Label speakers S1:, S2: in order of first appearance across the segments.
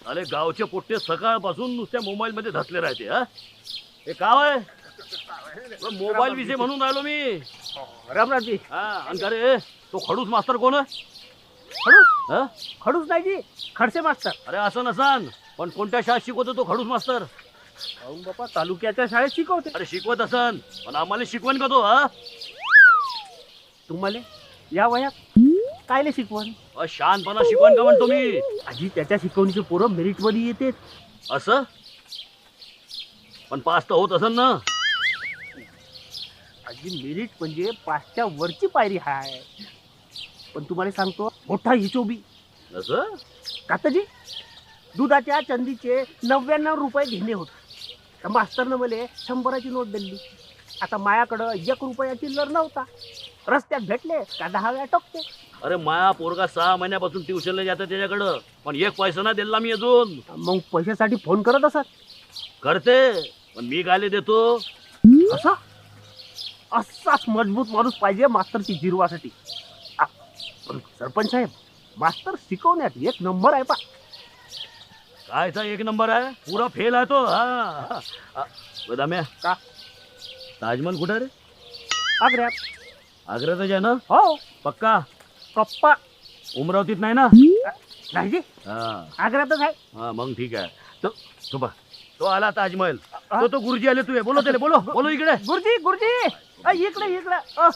S1: अरे गावचे पोट्टे सकाळपासून नुसत्या मोबाईल मध्ये धसले राहते. हा हे गाव आहे मोबाईल विषय म्हणून राहिलो मी.
S2: रामराजी.
S1: हा आणि का रे तो खडूस मास्तर कोण आहे?
S2: खडूस
S1: हा?
S2: खडूस नाही जी, खडसे मास्तर.
S1: अरे असं नसान, पण कोणत्या शाळेत शिकवतो तो खडूस मास्तर?
S2: अहो बापा, तालुक्याच्या शाळेत शिकवते.
S1: अरे शिकवत असन, पण आम्हाला शिकवण का तो? हा
S2: तुम्हाला या वयात कायले शिकवण?
S1: शहाणपणा शिकवण का म्हणतो मी?
S2: आजी त्याच्या शिकवणीचे पोरं मेरिट मध्ये येते.
S1: असं पण पास तर होत असन ना?
S2: आजी मेरिट म्हणजे पाचच्या वरची पायरी हाय. पण तुम्हाला सांगतो, मोठा हिशोबी.
S1: असं
S2: काताजी, दुधाच्या चंदीचे 99 रुपये घेणे होते. तर मास्तरनं मला 100ची नोट दिली. आता मायाकडं 1 रुपया चिल्लर नव्हता. रस्त्यात भेटले का 10 वेळा टोकते.
S1: अरे माया पोरगा 6 महिन्यापासून ट्युशनला जातं त्याच्याकडं, पण एक पैसा ना दिला मी अजून.
S2: मग पैशासाठी फोन करत असत.
S1: करते, पण मी गाले देतो.
S2: असा असाच मजबूत माणूस पाहिजे मास्तरची जिरवासाठी. पण सरपंच साहेब, मास्तर शिकवण्यात 1 नंबर आहे पा.
S1: कायचा 1 नंबर आहे? पुरा फेल आहे तो. हा बदाम्या
S2: का?
S1: ताजमहल कुठे रे?
S2: आग्र्यात.
S1: आग्र्यातच आहे ना?
S2: हो.
S1: पक्का?
S2: कप्पा
S1: अमरावतीत नाही ना?
S2: नाही जी,
S1: हा
S2: आग्र्यातच आहे.
S1: हा मग ठीक आहे. तो बघ, तो आला ताजमहल. तो गुरुजी आले. तू बोलो त्याला, बोलो बोलो इकडे.
S2: गुरुजी गुरुजी, इकडे इकडे.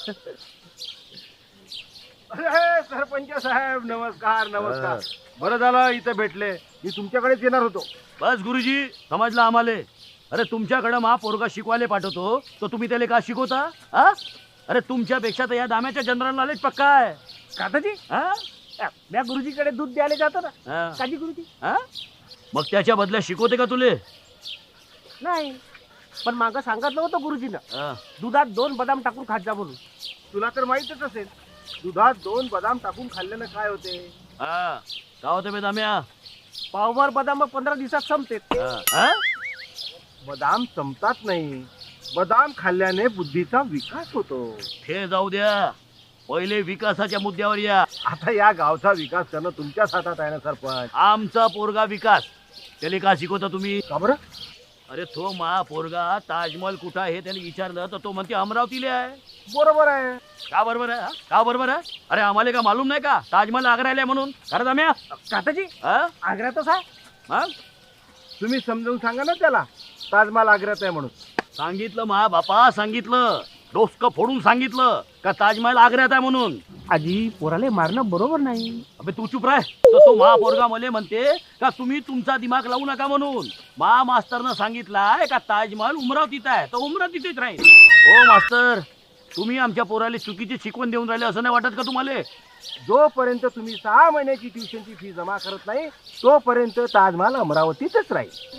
S3: अरे सरपंच साहेब, नमस्कार नमस्कार. बरं झालं इथं भेटले. मी तुमच्याकडेच येणार होतो.
S1: बस गुरुजी, समजलं आम्हाले. अरे तुमच्याकडं मा पोरगा शिकवायला पाठवतो, तर तुम्ही त्याला का शिकवता? हा अरे तुमच्यापेक्षा तर या दाम्याच्या जनरल नॉलेज पक्का आहे.
S2: काताजी,
S1: हा
S2: त्या गुरुजीकडे दूध द्यायला जातो ना.
S1: हा.
S2: काजी गुरुजी?
S1: हा? मग त्याच्या बदल्यात शिकवते का तुले?
S2: नाही, पण मागं सांगितलं होतं गुरुजीनं,
S1: हा.
S2: दुधात 2 बदाम टाकून खात जा म्हणून.
S3: तुला तर माहीतच असेल, दुधात 2 बदाम टाकून खाल्ल्यानं काय होते.
S1: हा का होते बे दाम्या?
S2: पावभर बदाम 15 दिवसात संपते.
S1: हा?
S3: बदाम संपतात नाही, बदाम खाल्ल्याने बुद्धीचा विकास होतो.
S1: हे जाऊ द्या, पहिले विकासाच्या मुद्द्यावर या.
S3: आता या गावचा विकास करणं तुमच्याच हातात आहे ना सरपंच.
S1: आमचा पोरगा विकास त्याला का शिकवता तुम्ही?
S3: का बरं?
S1: अरे तो मा पोरगा ताजमहल कुठं आहे त्याने विचारलं तर तो म्हणते अमरावतीला आहे.
S3: बरोबर आहे.
S1: का बरोबर आहे? हा? का बरोबर आहे? अरे आम्हाला का मालूम नाही का ताजमहल आग्र्याला आहे म्हणून? खरं दाम्या?
S2: काताजी,
S1: हा?
S2: आग्र्यातच आहे.
S1: मग
S3: तुम्ही समजावून सांगा ना त्याला, ताजमहाल आग्र्यात आहे म्हणून.
S1: सांगितलं मा बापा, सांगितलं, डोसकं फोडून सांगितलं का ताजमहल आग्र्यात आहे म्हणून.
S2: आजी, पोराले मारणं बरोबर नाही.
S1: अबे तू चुप राह. तर तो महापोरगा मले म्हणते का तुम्ही तुमचा दिमाग लावू नका म्हणून. मास्तरनं सांगितलंय का ताजमहल उमरावतीत आहे, तर उमरावतीतच राहील. हो मास्तर, तुम्ही आमच्या पोराला चुकीची शिकवण देऊन राहिले असं नाही वाटत का तुम्हाला?
S3: जोपर्यंत तुम्ही 6 महिन्याची ट्युशनची फी जमा करत नाही, तोपर्यंत ताजमहाल अमरावतीतच राहील.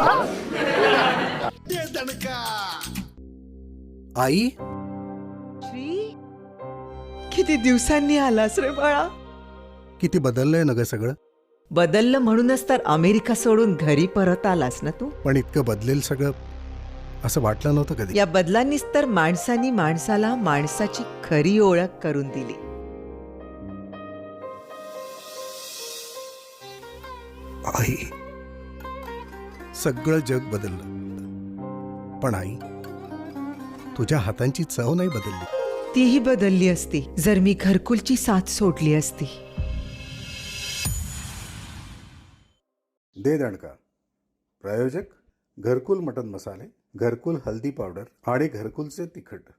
S4: आई,
S5: श्री, किती दिवसांनी आलास रे बाळा.
S4: किती बदललंय ना ग सगळं.
S5: बदललं म्हणूनच तर अमेरिका सोडून घरी परत आलास ना तू.
S4: पण इतकं बदलेल सगळं असं वाटलं नव्हतं कधी.
S5: या बदलांनीच तर माणसानी माणसाला माणसाची खरी ओळख करून दिली.
S4: आई, सगळं जग बदललं, पण आई तुझ्या हातांची चव नाही बदलली.
S5: तीही बदलली असती जर मी घरकुलची साथ सोडली असती.
S4: दे दणका. प्रायोजक घरकुल मटन मसाले, घरकुल हल्दी पावडर आणि घरकुलचे तिखट.